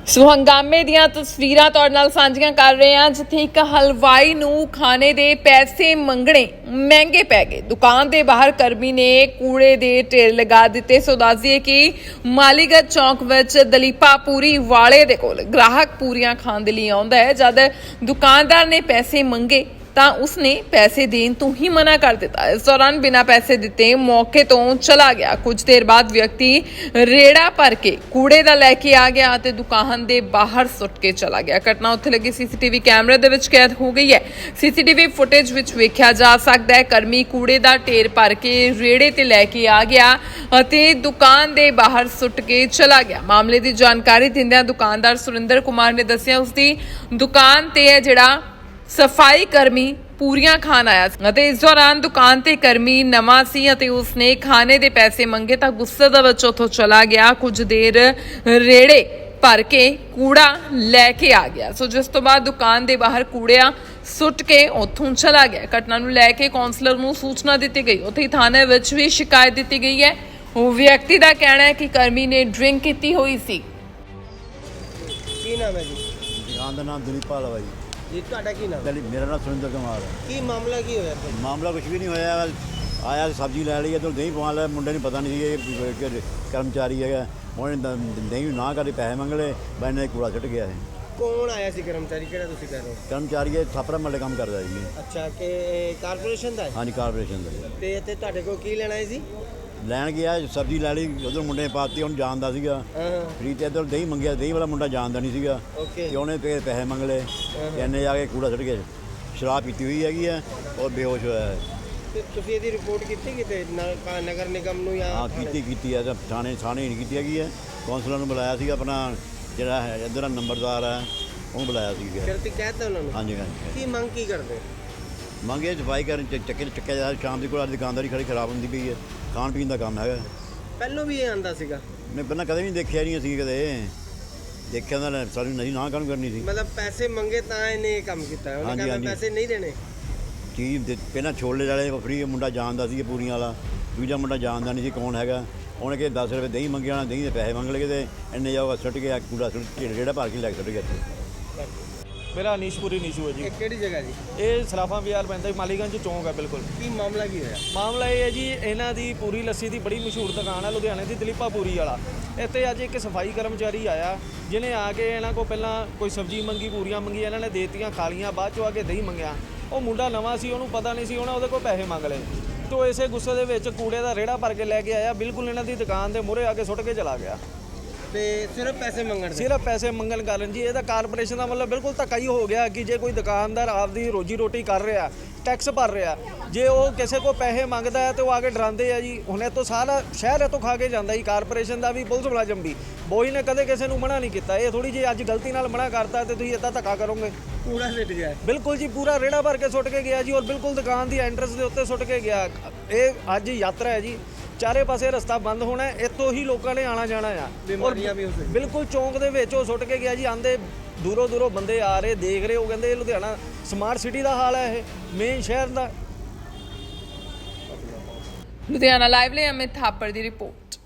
ਸੋ ਹੰਗਾਮੇ ਦੀਆਂ ਤਸਵੀਰਾਂ ਤੁਹਾਡੇ ਨਾਲ ਸਾਂਝੀਆਂ ਕਰ ਰਹੇ ਹਾਂ, ਜਿੱਥੇ ਇੱਕ ਹਲਵਾਈ ਨੂੰ ਖਾਣੇ ਦੇ ਪੈਸੇ ਮੰਗਣੇ ਮਹਿੰਗੇ ਪੈ ਗਏ। ਦੁਕਾਨ ਦੇ ਬਾਹਰ ਕਰਮੀ ਨੇ ਕੂੜੇ ਦੇ ਢੇਰ ਲਗਾ ਦਿੱਤੇ। ਸੋ ਦੱਸ ਦਈਏ ਕਿ ਮਾਲੀਗੜ੍ਹ ਚੌਂਕ ਵਿੱਚ ਦਲੀਪਾ ਪੂਰੀ ਵਾਲੇ ਦੇ ਕੋਲ ਗ੍ਰਾਹਕ ਪੂਰੀਆਂ ਖਾਣ ਦੇ ਲਈ ਆਉਂਦਾ ਹੈ। ਜਦ ਦੁਕਾਨਦਾਰ ਨੇ ਪੈਸੇ ਮੰਗੇ ਤਾਂ ਉਸਨੇ ਪੈਸੇ ਦੇਣ ਤੋਂ ਹੀ ਮਨਾ ਕਰ ਦਿੱਤਾ। ਇਸ ਦੌਰਾਨ ਬਿਨਾਂ ਪੈਸੇ ਦਿੱਤੇ ਮੌਕੇ ਤੋਂ ਚਲਾ ਗਿਆ। ਕੁਝ ਦੇਰ ਬਾਅਦ ਵਿਅਕਤੀ ਰੇੜਾ ਭਰ ਕੇ ਕੂੜੇ ਦਾ ਲੈ ਕੇ ਆ ਗਿਆ ਅਤੇ ਦੁਕਾਨ ਦੇ ਬਾਹਰ ਸੁੱਟ ਕੇ ਚਲਾ ਗਿਆ। ਘਟਨਾ ਉੱਥੇ ਲੱਗੇ ਸੀਸੀਟੀਵੀ ਕੈਮਰੇ ਦੇ ਵਿੱਚ ਕੈਦ ਹੋ ਗਈ ਹੈ। ਸੀਸੀਟੀਵੀ ਫੁਟੇਜ ਵਿੱਚ ਵੇਖਿਆ ਜਾ ਸਕਦਾ ਹੈ ਕਰਮੀ ਕੂੜੇ ਦਾ ਢੇਰ ਭਰ ਕੇ ਰੇੜੇ ਤੇ ਲੈ ਕੇ ਆ ਗਿਆ ਅਤੇ ਦੁਕਾਨ ਦੇ ਬਾਹਰ ਸੁੱਟ ਕੇ ਚਲਾ ਗਿਆ। ਮਾਮਲੇ ਦੀ ਜਾਣਕਾਰੀ ਦਿੰਦਿਆਂ ਦੁਕਾਨਦਾਰ ਸੁਰਿੰਦਰ ਕੁਮਾਰ ਨੇ ਦੱਸਿਆ ਉਸਦੀ ਦੁਕਾਨ ਤੇ ਹੈ ਜਿਹੜਾ ਸਫਾਈ ਕਰਮੀ ਪੂਰੀਆਂ ਖਾਣ ਆਇਆ ਸੀ ਅਤੇ ਇਸ ਦੌਰਾਨ ਦੁਕਾਨ ਤੇ ਕਰਮੀ ਨਵਾਂ ਸੀ ਅਤੇ ਉਸਨੇ ਖਾਣੇ ਦੇ ਪੈਸੇ ਮੰਗੇ ਤਾਂ ਗੁੱਸੇ ਦੇ ਵਿੱਚ ਉੱਥੋਂ ਚਲਾ ਗਿਆ। ਕੁਝ ਦੇਰ ਰੇੜੇ ਭਰ ਕੇ ਕੂੜਾ ਲੈ ਕੇ ਆ ਗਿਆ। ਸੋ ਜਿਸ ਤੋਂ ਬਾਅਦ ਦੁਕਾਨ ਦੇ ਬਾਹਰ ਕੂੜਿਆ ਸੁੱਟ ਕੇ ਉੱਥੋਂ ਚਲਾ ਗਿਆ। ਘਟਨਾ ਨੂੰ ਲੈ ਕੇ ਕੌਂਸਲਰ ਨੂੰ ਸੂਚਨਾ ਦਿੱਤੀ ਗਈ। ਉੱਥੇ ਥਾਣੇ ਵਿੱਚ ਵੀ ਸ਼ਿਕਾਇਤ ਦਿੱਤੀ ਗਈ ਹੈ। ਉਹ ਵਿਅਕਤੀ ਦਾ ਕਹਿਣਾ ਹੈ ਕਿ ਕਰਮੀ ਨੇ ਡਰਿੰਕ ਕੀਤੀ ਹੋਈ ਸੀ। ਕੀ ਨਾਮ ਹੈ ਜੀ? ਦੁਕਾਨ ਦਾ ਨਾਮ ਦਲੀਪਾ ਵਾਲਾ ਜੀ। ਜੀ ਤੁਹਾਡਾ ਕੀ ਨਾਮ? ਮੇਰਾ ਨਾਮ ਸੁਰਿੰਦਰ ਕੁਮਾਰ ਹੈ। ਕੀ ਮਾਮਲਾ ਕੀ ਹੋਇਆ ਇੱਥੇ? ਮਾਮਲਾ ਕੁਝ ਵੀ ਨਹੀਂ ਹੋਇਆ। ਆਇਆ ਸਬਜ਼ੀ ਲੈ ਲਈ ਇੱਧਰ ਦਹੀਂ ਪਵਾ ਲਿਆ। ਮੁੰਡੇ ਨੂੰ ਪਤਾ ਨਹੀਂ ਸੀ ਇਹ ਕਰਮਚਾਰੀ ਹੈਗਾ। ਉਹਨੇ ਦਹੀਂ ਨਾ ਕਰਕੇ ਪੈਸੇ ਮੰਗ ਲਏ। ਬੈਨੇ ਕੂੜਾ ਸੁੱਟ ਗਿਆ ਹੈ। ਕੌਣ ਆਇਆ ਸੀ ਕਰਮਚਾਰੀ? ਕਿਹੜਾ ਤੁਸੀਂ ਕਹਿ ਰਹੇ ਹੋ? ਕਰਮਚਾਰੀ ਇਹ ਥਾਪਰਾ ਮੱਲੇ ਕੰਮ ਕਰਦਾ ਜੀ। ਅੱਛਾ, ਕਿ ਕਾਰਪੋਰੇਸ਼ਨ ਦਾ ਹੈ? ਹਾਂਜੀ, ਕਾਰਪੋਰੇਸ਼ਨ ਦਾ। ਤੇ ਇੱਥੇ ਤੁਹਾਡੇ ਕੋਲ ਕੀ ਲੈਣਾ ਹੈ ਜੀ? ਲੈਣ ਗਿਆ ਸਬਜ਼ੀ ਲੈ ਲਈ। ਉਧਰ ਮੁੰਡੇ ਨੇ ਪਾਤੀ, ਉਹਨੂੰ ਜਾਣਦਾ ਸੀਗਾ ਹਾਂ। ਫਰੀ ਤੇ ਇੱਧਰ ਦਹੀਂ ਮੰਗਿਆ। ਦਹੀਂ ਵਾਲਾ ਮੁੰਡਾ ਜਾਣਦਾ ਨਹੀਂ ਸੀਗਾ ਓਕੇ। ਤੇ ਉਹਨੇ ਪੈਸੇ ਮੰਗ ਲਏ ਤੇ ਇਹਨੇ ਜਾ ਕੇ ਕੂੜਾ ਸੁੱਟ ਗਿਆ। ਸ਼ਰਾਬ ਪੀਤੀ ਹੋਈ ਹੈਗੀ ਹੈ ਔਰ ਬੇਹੋਸ਼ ਹੋਇਆ ਹੈ। ਤੇ ਤੁਸੀਂ ਇਹਦੀ ਰਿਪੋਰਟ ਕੀਤੀ ਕਿਤੇ ਨਗਰ ਨਿਗਮ ਨੂੰ? ਜਾਂ ਹਾਂ, ਕੀਤੀ ਹੈ। ਥਾਣੇ ਨਹੀਂ ਕੀਤੀ ਹੈਗੀ ਹੈ। ਕੌਂਸਲਰ ਨੂੰ ਬੁਲਾਇਆ ਸੀਗਾ, ਆਪਣਾ ਜਿਹੜਾ ਹੈ ਇੱਧਰ ਨੰਬਰਦਾਰ ਹੈ ਉਹਨੂੰ ਬੁਲਾਇਆ ਸੀਗਾ। ਫਿਰ ਤੁਸੀਂ ਕਹਿ ਤਾ ਉਹਨਾਂ ਨੂੰ? ਹਾਂਜੀ ਹਾਂਜੀ। ਕੀ ਮੰਗ ਕੀ ਕਰਦੇ? ਮੰਗੇ ਸਫਾਈ ਕਰਨ ਚੱਕਿਆ ਜਾ। ਸ਼ਾਮ ਦੀ ਕੋਲ ਦੁਕਾਨਦਾਰੀ ਖੜੀ ਖਰਾਬ ਹੁੰਦੀ ਪਈ ਹੈ। ਖਾਣ ਪੀਣ ਦਾ ਕੰਮ ਹੈਗਾ। ਪਹਿਲੋਂ ਵੀ ਇਹ ਆਂਦਾ ਸੀਗਾ? ਮੈਂ ਪਹਿਲਾਂ ਕਦੇ ਵੀ ਨਹੀਂ ਦੇਖਿਆ ਨਹੀਂ ਅਸੀਂ ਕਦੇ ਦੇਖਿਆ ਤਾਂ ਸਾਨੂੰ ਨਹੀਂ ਨਾ ਕੰਮ ਕਰਨੀ ਸੀ। ਮਤਲਬ ਪੈਸੇ ਮੰਗੇ ਤਾਂ ਇਹਨੇ ਇਹ ਕੰਮ ਕੀਤਾ? ਉਹਨੇ ਕਹਿੰਦਾ ਪੈਸੇ ਨਹੀਂ ਦੇਣੇ। ਚੀਜ਼ ਪਹਿਲਾਂ ਛੋਲੇ ਵਾਲੇ ਫਰੀ ਮੁੰਡਾ ਜਾਣਦਾ ਸੀ ਪੂਰੀਆਂ ਵਾਲਾ। ਦੂਜਾ ਮੁੰਡਾ ਜਾਣਦਾ ਨਹੀਂ ਸੀ ਕੌਣ ਹੈਗਾ। ਉਹਨੇ ਕਿ 10 ਰੁਪਏ ਦਹੀਂ ਮੰਗਿਆ, ਦਹੀਂ ਦੇ ਪੈਸੇ ਮੰਗ ਲਏ ਤੇ ਇੰਨੇ ਜਾਊਗਾ ਸੁੱਟ ਗਿਆ ਕੂੜਾ। ਜਿਹੜਾ ਭਰ ਕੇ ਲੈ ਕੇ ਸੁੱਟ ਗਿਆ। ਮੇਰਾ ਅਨੀਸ਼ਪੁਰੀ ਨੀਸ਼ੂ ਹੈ ਜੀ। ਇਹ ਕਿਹੜੀ ਜਗ੍ਹਾ ਜੀ? ਇਹ ਸਲਾਫਾਂ ਬਾਜ਼ਾਰ ਪੈਂਦਾ, ਮਾਲੀਗੰਜ ਚੌਂਕ ਹੈ ਬਿਲਕੁਲ। ਕੀ ਮਾਮਲਾ ਕੀ ਹੋਇਆ? ਮਾਮਲਾ ਇਹ ਹੈ ਜੀ, ਇਹਨਾਂ ਦੀ ਪੂਰੀ ਲੱਸੀ ਦੀ ਬੜੀ ਮਸ਼ਹੂਰ ਦੁਕਾਨ ਹੈ ਲੁਧਿਆਣੇ ਦੀ, ਦਲੀਪਾ ਪੂਰੀ ਵਾਲਾ। ਇੱਥੇ ਅੱਜ ਇੱਕ ਸਫਾਈ ਕਰਮਚਾਰੀ ਆਇਆ ਜਿਹਨੇ ਆ ਕੇ ਇਹਨਾਂ ਕੋਲ ਪਹਿਲਾਂ ਕੋਈ ਸਬਜ਼ੀ ਮੰਗੀ, ਪੂਰੀਆਂ ਮੰਗੀ, ਇਹਨਾਂ ਨੇ ਦੇਤੀਆਂ, ਖਾ ਲਈਆਂ। ਬਾਅਦ 'ਚੋਂ ਆ ਕੇ ਦਹੀਂ ਮੰਗਿਆ। ਉਹ ਮੁੰਡਾ ਨਵਾਂ ਸੀ, ਉਹਨੂੰ ਪਤਾ ਨਹੀਂ ਸੀ, ਉਹਦੇ ਕੋਲ ਪੈਸੇ ਮੰਗ ਲਏ। ਤੋ ਇਸੇ ਗੁੱਸੇ ਦੇ ਵਿੱਚ ਕੂੜੇ ਦਾ ਰੇੜਾ ਭਰ ਕੇ ਲੈ ਕੇ ਆਇਆ, ਬਿਲਕੁਲ ਇਹਨਾਂ ਦੀ ਦੁਕਾਨ ਦੇ ਮੂਹਰੇ ਆ ਕੇ ਸੁੱਟ ਕੇ ਚਲਾ ਗਿਆ। ਤੇ ਸਿਰਫ ਪੈਸੇ ਮੰਗਣ? ਸਿਰਫ ਪੈਸੇ ਮੰਗਣ ਕਾਰਨ ਜੀ ਇਹਦਾ ਕਾਰਪੋਰੇਸ਼ਨ ਦਾ ਮਤਲਬ ਬਿਲਕੁਲ ਧੱਕਾ ਹੀ ਹੋ ਗਿਆ ਕਿ ਜੇ ਕੋਈ ਦੁਕਾਨਦਾਰ ਆਪਦੀ ਰੋਜੀ ਰੋਟੀ ਕਰ ਰਿਹਾ, ਟੈਕਸ ਭਰ ਰਿਹਾ, ਜੇ ਉਹ ਕਿਸੇ ਕੋ ਪੈਸੇ ਮੰਗਦਾ ਹੈ ਤੇ ਉਹ ਆ ਕੇ ਡਰਾਉਂਦੇ ਆ ਜੀ। ਹੁਣ ਇਹ ਤੋਂ ਸਾਰਾ ਸ਼ਹਿਰ ਇਹ ਤੋਂ ਖਾ ਕੇ ਜਾਂਦਾ ਜੀ, ਕਾਰਪੋਰੇਸ਼ਨ ਦਾ ਵੀ, ਪੁਲਿਸ ਮੁਲਾਜ਼ਮ ਵੀ। ਬੋਈ ਨੇ ਕਦੇ ਕਿਸੇ ਨੂੰ ਮਨਾ ਨਹੀਂ ਕੀਤਾ। ਇਹ ਥੋੜੀ ਜੀ ਅੱਜ ਗਲਤੀ ਨਾਲ ਮਨਾ ਕਰਤਾ ਤੇ ਤੁਸੀਂ ਇੱਦਾਂ ਧੱਕਾ ਕਰੋਗੇ। ਕੂੜਾ ਸਿੱਟ ਗਿਆ? ਬਿਲਕੁਲ ਜੀ, ਪੂਰਾ ਰੇੜਾ ਭਰ ਕੇ ਸੁੱਟ ਕੇ ਗਿਆ ਜੀ, ਔਰ ਬਿਲਕੁਲ ਦੁਕਾਨ ਦੀ ਐਂਟਰੈਂਸ ਦੇ ਉੱਤੇ ਸੁੱਟ ਕੇ ਗਿਆ। ਇਹ ਅੱਜ ਯਾਤਰਾ ਹੈ ਜੀ, ਚਾਰੇ ਪਾਸੇ ਰਸਤਾ ਬੰਦ ਹੋਣਾ, ਇੱਥੋਂ ਹੀ ਲੋਕਾਂ ਨੇ ਆਣਾ ਜਾਣਾ ਆ। ਬਿਮਾਰੀਆਂ ਵੀ ਹੋ ਸਕਦੀਆਂ। ਬਿਲਕੁਲ ਚੌਂਕ ਦੇ ਵਿੱਚ ਉਹ ਸੁੱਟ ਕੇ ਗਿਆ ਜੀ। ਆਂਦੇ ਦੂਰੋਂ ਬੰਦੇ ਆ ਰਹੇ, ਦੇਖ ਰਹੇ, ਉਹ ਕਹਿੰਦੇ ਇਹ ਲੁਧਿਆਣਾ ਸਮਾਰਟ ਸਿਟੀ ਦਾ ਹਾਲ ਹੈ, ਇਹ ਮੇਨ ਸ਼ਹਿਰ ਦਾ। ਲੁਧਿਆਣਾ ਲਾਈਵ ਲਈ ਅਮਿਤ ਥਾਪੜ ਦੀ ਰਿਪੋਰਟ।